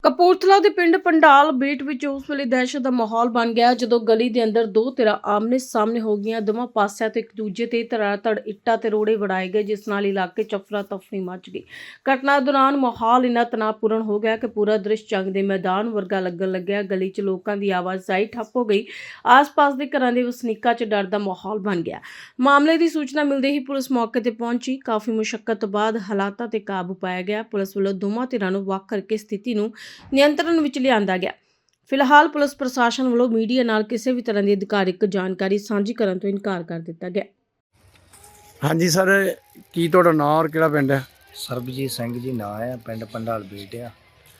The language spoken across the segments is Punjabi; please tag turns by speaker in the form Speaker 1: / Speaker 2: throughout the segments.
Speaker 1: ਕਪੂਰਥਲਾ ਦੇ ਪਿੰਡ ਪੰਡਾਲ ਬੇਟ ਵਿੱਚ ਉਸ ਵੇਲੇ ਦਹਿਸ਼ਤ ਦਾ ਮਾਹੌਲ ਬਣ ਗਿਆ ਜਦੋਂ ਗਲੀ ਦੇ ਅੰਦਰ ਦੋ ਧਿਰਾਂ ਆਮਨੇ ਸਾਹਮਣੇ ਹੋ ਗਈਆਂ। ਦੋਵਾਂ ਪਾਸਿਆਂ ਤੋਂ ਇੱਕ ਦੂਜੇ ਤੇ ਧੜ ਇੱਟਾਂ ਤੇ ਰੋੜੇ ਵੜਾਏ ਗਏ, ਜਿਸ ਨਾਲ ਇਲਾਕੇ 'ਚ ਅਫਰਾ ਤਫਰੀ ਮਚ ਗਈ। ਘਟਨਾ ਦੌਰਾਨ ਮਾਹੌਲ ਇੰਨਾ ਤਣਾਅਪੂਰਨ ਹੋ ਗਿਆ ਕਿ ਪੂਰਾ ਦ੍ਰਿਸ਼ ਜੰਗ ਦੇ ਮੈਦਾਨ ਵਰਗਾ ਲੱਗਣ ਲੱਗਿਆ। ਗਲੀ 'ਚ ਲੋਕਾਂ ਦੀ ਆਵਾਜਾਈ ਠੱਪ ਹੋ ਗਈ। ਆਸ-ਪਾਸ ਦੇ ਘਰਾਂ ਦੇ ਵਸਨੀਕਾਂ 'ਚ ਡਰ ਦਾ ਮਾਹੌਲ ਬਣ ਗਿਆ। ਮਾਮਲੇ ਦੀ ਸੂਚਨਾ ਮਿਲਦੇ ਹੀ ਪੁਲਿਸ ਮੌਕੇ ਤੇ ਪਹੁੰਚੀ। ਕਾਫੀ ਮੁਸ਼ੱਕਤ ਤੋਂ ਬਾਅਦ ਹਾਲਾਤਾਂ ਤੇ ਕਾਬੂ ਪਾਇਆ ਗਿਆ। ਪੁਲਿਸ ਵੱਲੋਂ ਦੋਵਾਂ ਧਿਰਾਂ ਨੂੰ ਵੱਖ ਕਰਕੇ ਸਥਿਤੀ ਨੂੰ ਨਿਯੰਤਰਣ ਵਿੱਚ ਲਿਆਂਦਾ ਗਿਆ। ਫਿਲਹਾਲ ਪੁਲਿਸ ਪ੍ਰਸ਼ਾਸਨ ਵੱਲੋਂ ਮੀਡੀਆ ਨਾਲ ਕਿਸੇ ਵੀ ਤਰ੍ਹਾਂ ਦੀ ਅਧਿਕਾਰਿਕ ਜਾਣਕਾਰੀ ਸਾਂਝੀ ਕਰਨ ਤੋਂ ਇਨਕਾਰ ਕਰ ਦਿੱਤਾ ਗਿਆ।
Speaker 2: ਹਾਂਜੀ ਸਰ, ਕੀ ਤੁਹਾਡਾ ਨਾਂ ਔਰ ਕਿਹੜਾ ਪਿੰਡ ਹੈ?
Speaker 3: ਸਰਬਜੀਤ ਸਿੰਘ ਜੀ ਨਾਂ ਹੈ, ਪਿੰਡ ਪੰਡਾਲ ਬੇਟ ਆ।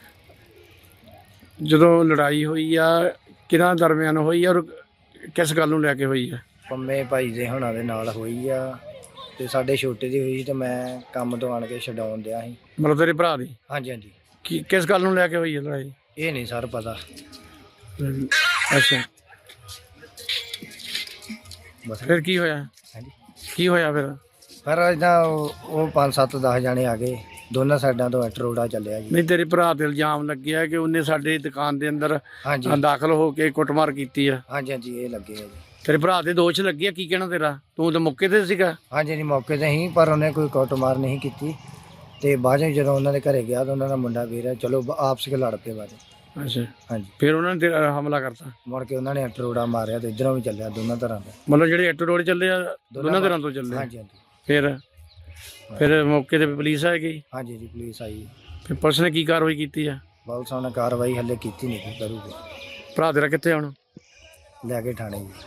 Speaker 2: ਜਦੋਂ ਲੜਾਈ ਹੋਈ ਆ ਕਿਹਨਾਂ ਦਰਮਿਆਨ ਹੋਈ ਆ ਔਰ ਕਿਸ ਗੱਲ ਨੂੰ ਲੈ ਕੇ ਹੋਈ ਆ?
Speaker 3: ਪੰਮੇ ਭਾਈ ਦੇ ਹੁਣਾਂ ਦੇ ਨਾਲ ਹੋਈ ਆ ਤੇ ਸਾਡੇ ਛੋਟੇ ਦੀ ਹੋਈ ਤੇ ਮੈਂ ਕੰਮ ਤੋਂ ਆਣ ਕੇ ਛਡਾਉਣ ਦਿਆ ਸੀ।
Speaker 2: ਮਤਲਬ ਤੇਰੇ ਭਰਾ ਦੀ?
Speaker 3: ਹਾਂਜੀ ਹਾਂਜੀ।
Speaker 2: ਕੀ ਕਿਸ ਗੱਲ ਨੂੰ ਲੈ ਕੇ ਹੋਈ ਹੈ ਲੜਾਈ?
Speaker 3: ਇਹ ਨਹੀਂ ਸਰ ਪਤਾ।
Speaker 2: ਅੱਛਾ,
Speaker 3: ਬਸ
Speaker 2: ਫਿਰ ਕੀ ਹੋਇਆ?
Speaker 3: ਹਾਂਜੀ।
Speaker 2: ਕੀ ਹੋਇਆ ਫਿਰ?
Speaker 3: ਪਰ ਇਦਾਂ ਉਹ 5-7-10 ਜਾਣੇ ਆ ਗਏ, ਦੋਨਾਂ ਸਾਈਡਾਂ ਤੋਂ ਇੱਟ ਰੋੜਾ ਚੱਲਿਆ ਜੀ।
Speaker 2: ਨਹੀਂ, ਤੇਰੇ ਭਰਾ ਤੇ ਇਲਜ਼ਾਮ ਲੱਗਿਆ ਕਿ ਉਹਨੇ ਸਾਡੇ ਦੁਕਾਨ ਦੇ ਅੰਦਰ
Speaker 3: ਹਾਂਜੀ
Speaker 2: ਦਾਖਲ ਹੋ ਕੇ ਕੁੱਟਮਾਰ ਕੀਤੀ ਆ।
Speaker 3: ਹਾਂਜੀ ਹਾਂਜੀ, ਇਹ ਲੱਗੇ ਆ ਜੀ।
Speaker 2: ਤੇਰੇ ਭਰਾ ਦੇ ਦੋਸ਼ ਲੱਗੇ ਆ, ਕੀ ਕਹਿਣਾ ਤੇਰਾ? ਤੂੰ ਤਾਂ ਮੌਕੇ ਤੇ ਸੀਗਾ।
Speaker 3: ਹਾਂਜੀ ਜੀ, ਮੌਕੇ ਤੇ ਹੀ, ਪਰ ਉਹਨੇ ਕੋਈ ਕੁੱਟਮਾਰ ਨਹੀਂ ਕੀਤੀ। ਤੇ ਬਾਅਦ ਵਿੱਚ ਜਦੋਂ ਉਹਨਾਂ ਦੇ ਘਰੇ ਗਿਆ ਤਾਂ ਉਹਨਾਂ ਦਾ ਮੁੰਡਾ ਵੀਰ ਚਲੋ ਆਪਸ ਵਿੱਚ ਲੜ ਪਏ ਬਾਅਦ।
Speaker 2: ਅੱਛਾ,
Speaker 3: ਹਾਂਜੀ।
Speaker 2: ਫਿਰ ਉਹਨਾਂ ਨੇ ਤੇਰਾ ਹਮਲਾ ਕਰਤਾ?
Speaker 3: ਮੁੜ ਕੇ ਉਹਨਾਂ ਨੇ ਇੱਟ ਰੋੜਾ ਮਾਰਿਆ ਤੇ ਇੱਧਰੋਂ ਵੀ ਚੱਲਿਆ, ਦੋਨਾਂ ਤਰ੍ਹਾਂ ਦਾ।
Speaker 2: ਮਤਲਬ ਜਿਹੜੇ ਐਟੋ ਰੋਡ ਚੱਲੇ ਆ ਦੋਨਾਂ ਤਰ੍ਹਾਂ ਤੋਂ ਚੱਲੇ?
Speaker 3: ਹਾਂਜੀ ਹਾਂਜੀ।
Speaker 2: ਫਿਰ ਮੌਕੇ ਤੇ ਪੁਲਿਸ ਆ ਗਈ?
Speaker 3: ਹਾਂਜੀ ਜੀ, ਪੁਲਿਸ ਆਈ।
Speaker 2: ਫਿਰ ਪੁਲਿਸ ਨੇ ਕੀ ਕਾਰਵਾਈ ਕੀਤੀ ਆ?
Speaker 3: ਪੁਲਿਸ ਨੇ ਕਾਰਵਾਈ ਹਲੇ ਕੀਤੀ ਨਹੀਂ, ਕੀ ਕਰੂਗੇ।
Speaker 2: ਭਰਾ ਤੇਰਾ ਕਿੱਥੇ ਹੁਣ?
Speaker 3: ਲੈ ਕੇ ਥਾਣੇ ਜੀ।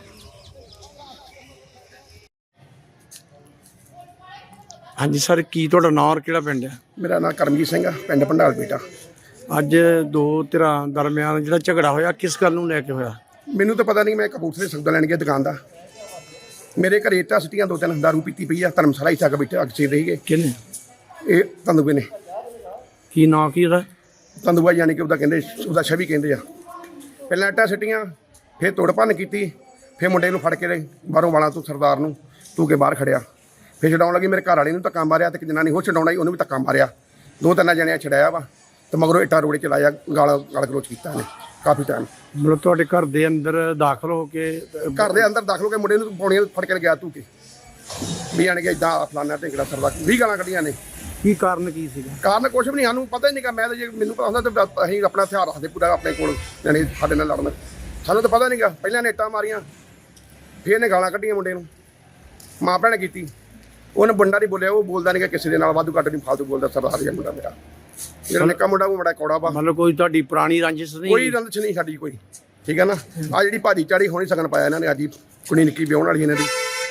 Speaker 2: ਹਾਂਜੀ ਸਰ, ਕੀ ਤੁਹਾਡਾ ਨਾਂ ਔਰ ਕਿਹੜਾ ਪਿੰਡ ਹੈ?
Speaker 4: ਮੇਰਾ ਨਾਮ ਕਰਮਜੀਤ ਸਿੰਘ ਆ, ਪਿੰਡ ਪੰਡਾਲ ਬੇਟਾ।
Speaker 2: ਅੱਜ ਦੋ ਧਿਰਾਂ ਦਰਮਿਆਨ ਜਿਹੜਾ ਝਗੜਾ ਹੋਇਆ, ਕਿਸ ਗੱਲ ਨੂੰ ਲੈ ਕੇ ਹੋਇਆ?
Speaker 4: ਮੈਨੂੰ ਤਾਂ ਪਤਾ ਨਹੀਂ, ਮੈਂ ਕਪੂਰਥਲੇ ਸੌਦਾ ਲੈਣ ਗਿਆ ਦੁਕਾਨ ਦਾ। ਮੇਰੇ ਘਰੇ ਇੱਟਾਂ ਸਿੱਟੀਆਂ, 2-3 ਦਾਰੂ ਪੀਤੀ ਪਈ ਆ। ਧਰਮਸ਼ਾਲਾ ਹੀ ਚੱਕ ਬੈਠੇ ਅੱਗ ਸੇਕ ਰਹੀ ਗਏ।
Speaker 2: ਕਿਹਨੇ?
Speaker 4: ਇਹ ਤੰਦੂਏ ਨੇ।
Speaker 2: ਕੀ ਨਾਂ ਕੀ ਉਹਦਾ?
Speaker 4: ਤੰਦੂਆ ਯਾਨੀ ਕਿ ਉਹਦਾ ਕਹਿੰਦੇ, ਉਹਦਾ ਛਵੀ ਕਹਿੰਦੇ ਆ। ਪਹਿਲਾਂ ਇੱਟਾਂ ਸਿੱਟੀਆਂ, ਫਿਰ ਤੋੜ ਭੰਨ ਕੀਤੀ, ਫਿਰ ਮੁੰਡੇ ਨੂੰ ਫੜ ਕੇ ਬਾਹਰੋਂ ਵਾਲਾਂ ਤੋਂ ਸਰਦਾਰ ਨੂੰ ਤੂੰ ਕੇ ਬਾਹਰ ਖੜਿਆ। ਫਿਰ ਛਡਾਉਣ ਲੱਗੀ, ਮੇਰੇ ਘਰ ਵਾਲੇ ਨੂੰ ਧੱਕਾ ਮਾਰਿਆ ਤੇ ਇੱਕ ਜਨਾਨੀ ਹੋਰ ਛਡਾਉਣਾ ਹੀ, ਉਹਨੂੰ ਵੀ ਧੱਕਾ ਮਾਰਿਆ। 2-3 ਜਣਿਆਂ ਛਡਾਇਆ ਵਾ ਤੇ ਮਗਰੋਂ ਇੱਟਾਂ ਰੋੜੇ ਚਲਾਇਆ, ਗਾਲ ਗਲੋਚ ਕੀਤਾ ਇਹਨੇ ਕਾਫੀ ਟਾਈਮ।
Speaker 2: ਮਤਲਬ ਤੁਹਾਡੇ ਘਰ ਦੇ ਅੰਦਰ ਦਾਖਲ ਹੋ ਕੇ?
Speaker 4: ਘਰ ਦੇ ਅੰਦਰ ਦਾਖਲ ਹੋ ਕੇ ਮੁੰਡੇ ਨੂੰ ਪੌੜੀਆਂ ਫੜ ਕੇ ਗਿਆ ਤੂੰ ਕੇ ਵੀ ਆਣ ਕੇ ਇਦਾਂ ਫਲਾਨਾ ਢੇਕੜਾ ਸਰਦਾ 20 ਗਾਲਾਂ ਕੱਢੀਆਂ ਨੇ।
Speaker 2: ਕੀ ਕਾਰਨ ਕੀ ਸੀਗਾ?
Speaker 4: ਕਾਰਨ ਕੁਛ ਵੀ ਨਹੀਂ, ਸਾਨੂੰ ਪਤਾ ਹੀ ਨਹੀਂ। ਮੈਂ ਤਾਂ ਜੇ ਮੈਨੂੰ ਪਤਾ ਹੁੰਦਾ ਤਾਂ ਅਸੀਂ ਆਪਣਾ ਹਥਿਆਰ ਰੱਖਦੇ ਪੂਰਾ ਆਪਣੇ ਕੋਲ, ਯਾਨੀ ਸਾਡੇ ਨਾਲ ਲੜਨ। ਸਾਨੂੰ ਤਾਂ ਪਤਾ ਨਹੀਂਗਾ। ਪਹਿਲਾਂ ਨੇ ਇੱਟਾਂ ਮਾਰੀਆਂ, ਫਿਰ ਇਹਨੇ ਗਾਲਾਂ ਕੱਢੀਆਂ ਮੁੰਡੇ ਨੂੰ, ਮਾਂ ਭੈਣ ਕੀਤੀ। ਉਹਨੇ ਮੁੰਡਾ ਨਹੀਂ ਬੋਲਿਆ, ਉਹ ਬੋਲਦਾ ਨਹੀਂ ਕਿਸੇ ਦੇ ਨਾਲ, ਵਾਧੂ ਘੱਟ ਨਹੀਂ ਫਾਲਤੂ ਬੋਲਦਾ। ਸਰਦਾਰ ਜਿਹਾ ਮੁੰਡਾ ਮੇਰਾ, ਜਿਹੜਾ ਨਿੱਕਾ ਮੁੰਡਾ ਉਹ ਬੜਾ ਕੌੜਾ ਵਾ।
Speaker 2: ਮਤਲਬ ਕੋਈ ਤੁਹਾਡੀ ਪੁਰਾਣੀ ਰੰਜਿਸ਼ ਨਹੀਂ?
Speaker 4: ਕੋਈ ਰੰਜਿਸ਼ ਨਹੀਂ ਸਾਡੀ ਕੋਈ, ਠੀਕ ਹੈ ਨਾ। ਆ ਜਿਹੜੀ ਭਾਜੀ ਚਾੜੀ ਹੋਣੀ ਸਗਨ ਪਾਇਆ ਇਹਨਾਂ ਨੇ, ਅੱਜ ਹੀ ਕੁੜੀ ਨਿੱਕੀ ਵਿਆਹੁਣ ਵਾਲੀ ਇਹਨਾਂ ਦੀ।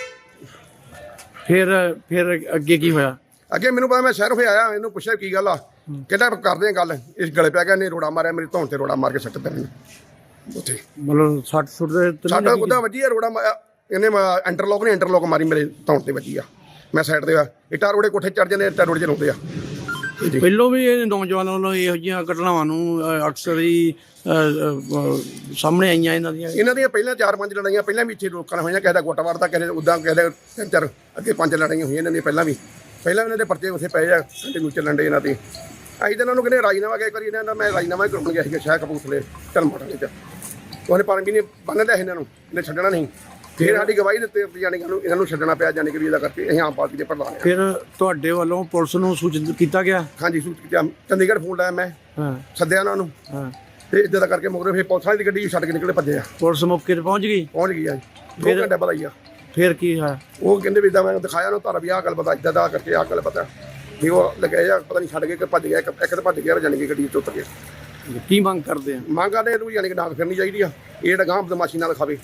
Speaker 2: ਫਿਰ ਅੱਗੇ ਕੀ ਹੋਇਆ?
Speaker 4: ਅੱਗੇ ਮੈਨੂੰ ਪਤਾ, ਮੈਂ ਸ਼ਹਿਰ ਹੋਇਆ ਆਇਆ, ਇਹਨੂੰ ਪੁੱਛਿਆ ਕੀ ਗੱਲ ਆ, ਕਹਿੰਦਾ ਕਰਦੇ ਆ ਗੱਲ। ਇਸ ਗਲੇ ਪੈ ਗਿਆ, ਇਹਨੇ ਰੋੜਾ ਮਾਰਿਆ, ਮੇਰੀ ਧੌਣ ਤੇ ਰੋੜਾ ਮਾਰ ਕੇ ਸੱਟ ਦਿੱਤਾ ਇਹਨੇ ਉੱਥੇ।
Speaker 2: ਮਤਲਬ 60
Speaker 4: ਸਾਡਾ ਉਹਦਾ ਵੱਜੀ ਆ ਰੋੜਾ ਮਾਰਿਆ ਇਹਨੇ। ਇੰਟਰਲੋਕ ਨੇ ਇੰਟਰਲੋਕ ਮਾਰੀ, ਮੇਰੇ ਧੌਣ ਤੇ ਵੱਜੀ ਆ। ਮੈਂ ਸਾਈਡ ਤੇ ਆ, ਇੱਟਾਂ ਰੋੜੇ ਕੋਠੇ ਚੜ ਜਾਂਦੇ, ਇੱਟਾਂ ਰੋੜੇ ਚਲਾਉਂਦੇ ਆ।
Speaker 2: ਪਹਿਲੋਂ ਵੀ ਇਹ ਨੌਜਵਾਨਾਂ ਵੱਲੋਂ ਇਹੋ ਜਿਹੀਆਂ ਘਟਨਾਵਾਂ ਨੂੰ ਅਕਸਰ ਹੀ ਸਾਹਮਣੇ ਆਈਆਂ ਇਹਨਾਂ ਦੀਆਂ
Speaker 4: ਪਹਿਲਾਂ 4-5 ਲੜਾਈਆਂ ਪਹਿਲਾਂ ਵੀ ਇੱਥੇ ਲੋਕਾਂ ਨਾਲ ਹੋਈਆਂ। ਕਿਸੇ ਦਾ ਗੋਟਾ ਵੜਦਾ, ਕਿਸੇ ਉੱਦਾਂ, ਕਿਸੇ ਦੇ 3-4 ਅੱਗੇ 5 ਲੜਾਈਆਂ ਹੋਈਆਂ ਇਹਨਾਂ ਦੀਆਂ ਪਹਿਲਾਂ ਵੀ। ਪਹਿਲਾਂ ਇਹਨਾਂ ਦੇ ਪਰਚੇ ਉੱਥੇ ਪਏ ਆ, ਕੰਟੀਨਿਊ ਚੱਲਣ ਡੇ ਇਹਨਾਂ ਦੇ। ਅਸੀਂ ਤਾਂ ਇਹਨਾਂ ਨੂੰ ਕਹਿੰਦੇ ਰਾਜੀਨਾਮਾ ਕਿਹਾ ਕਰੀ, ਇਹਨਾਂ ਦਾ ਮੈਂ ਰਾਜੀਨਾਮਾ ਹੀ ਕਰਾਉਣ ਗਿਆ ਸੀਗਾ ਸ਼ਾਇਦ ਕਪੂਰਥਲੇ ਢਲਮਾਟਾਂ 'ਚ। ਉਹਨੇ ਪਰ ਵੀ ਨਹੀਂ ਬੰਨ ਲਿਆ ਇਹਨਾਂ ਨੂੰ, ਇਹਨੇ ਛੱਡਣਾ ਨਹੀਂ। ਫਿਰ ਸਾਡੀ ਗਵਾਹੀ ਦਿੱਤੇ ਜਾਣੀ ਕਿ ਇਹਨਾਂ ਨੂੰ ਛੱਡਣਾ ਪਿਆ, ਜਾਣੀ ਕਿ ਵੀ ਇਹਦਾ ਕਰਕੇ ਅਸੀਂ ਆਮ ਪਾਰਟੀ ਦੇ ਪ੍ਰਧਾਨ।
Speaker 2: ਫਿਰ ਤੁਹਾਡੇ ਵੱਲੋਂ ਪੁਲਿਸ ਨੂੰ ਸੂਚਿਤ ਕੀਤਾ ਗਿਆ?
Speaker 4: ਹਾਂਜੀ, ਸੂਚਿਤ ਕੀਤਾ। ਚੰਡੀਗੜ੍ਹ ਫੋਨ ਲਾਇਆ ਮੈਂ, ਸੱਦਿਆ ਉਹਨਾਂ ਨੂੰ, ਤੇ ਇੱਦਾਂ ਦਾ ਕਰਕੇ ਮਗਰੋਂ ਫਿਰ ਪੁਲਿਸ ਵਾਲੀ ਦੀ ਗੱਡੀ ਛੱਡ ਕੇ ਨਿਕਲੇ, ਭੱਜੇ ਆ।
Speaker 2: ਪੁਲਿਸ ਮੌਕੇ ਤੇ ਪਹੁੰਚ ਗਈ
Speaker 4: ਆ 2 ਘੰਟੇ ਬਾਅਦ ਆਈ ਆ।
Speaker 2: ਫਿਰ ਕੀ ਹੋਇਆ?
Speaker 4: ਉਹ ਕਹਿੰਦੇ ਵੀ ਇੱਦਾਂ, ਮੈਂ ਦਿਖਾਇਆ ਉਹਨੂੰ ਧਰ ਵੀ ਆਹ ਗੱਲ ਪਤਾ, ਇੱਦਾਂ ਦਾ ਕਰਕੇ ਆਹ ਗੱਲ ਪਤਾ ਵੀ ਉਹ ਲੱਗੇ ਆ, ਪਤਾ ਨਹੀਂ ਛੱਡ ਕੇ ਭੱਜ ਗਿਆ। ਇੱਕ ਤਾਂ ਭੱਜ ਗਿਆ, ਜਾਣੀ ਕਿ ਗੱਡੀ 'ਚ ਉਤਰ ਗਿਆ।
Speaker 2: ਕੀ ਮੰਗ ਕਰਦੇ ਆ?
Speaker 4: ਮੰਗ ਕਰਦੇ ਇਹਨੂੰ ਜਾਣੀ ਕਿ ਡਾਂਗ ਫਿਰਨੀ ਚਾਹੀਦੀ ਆ, ਇਹ ਜਿਹੜਾ ਗਾਂਹ ਬਦਮਾਸ਼ੀ ਨਾਲ ਖਾਵੇ।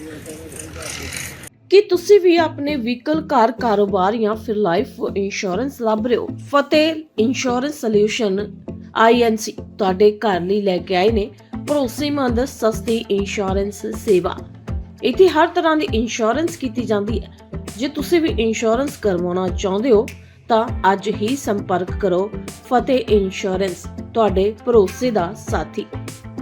Speaker 1: ਕੀ ਤੁਸੀਂ ਵੀ ਆਪਣੇ ਵਹੀਕਲ, ਕਾਰ, ਕਾਰੋਬਾਰ ਜਾਂ ਫਿਰ ਲਾਈਫ ਇੰਸ਼ੋਰੈਂਸ ਲੱਭ ਰਹੇ ਹੋ? ਫਤਿਹ ਇੰਸ਼ੋਰੈਂਸ ਸੋਲਿਊਸ਼ਨ INC ਤੁਹਾਡੇ ਘਰ ਲਈ ਲੈ ਕੇ ਆਏ ਨੇ ਭਰੋਸੇਮੰਦ ਸਸਤੀ ਇੰਸ਼ੋਰੈਂਸ ਸੇਵਾ। ਇੱਥੇ ਹਰ ਤਰ੍ਹਾਂ ਦੀ ਇੰਸ਼ੋਰੈਂਸ ਕੀਤੀ ਜਾਂਦੀ ਹੈ। ਜੇ ਤੁਸੀਂ ਵੀ ਇੰਸ਼ੋਰੈਂਸ ਕਰਵਾਉਣਾ ਚਾਹੁੰਦੇ ਹੋ ਤਾਂ ਅੱਜ ਹੀ ਸੰਪਰਕ ਕਰੋ। ਫਤਿਹ ਇੰਸ਼ੋਰੈਂਸ ਤੁਹਾਡੇ ਭਰੋਸੇ ਦਾ ਸਾਥੀ।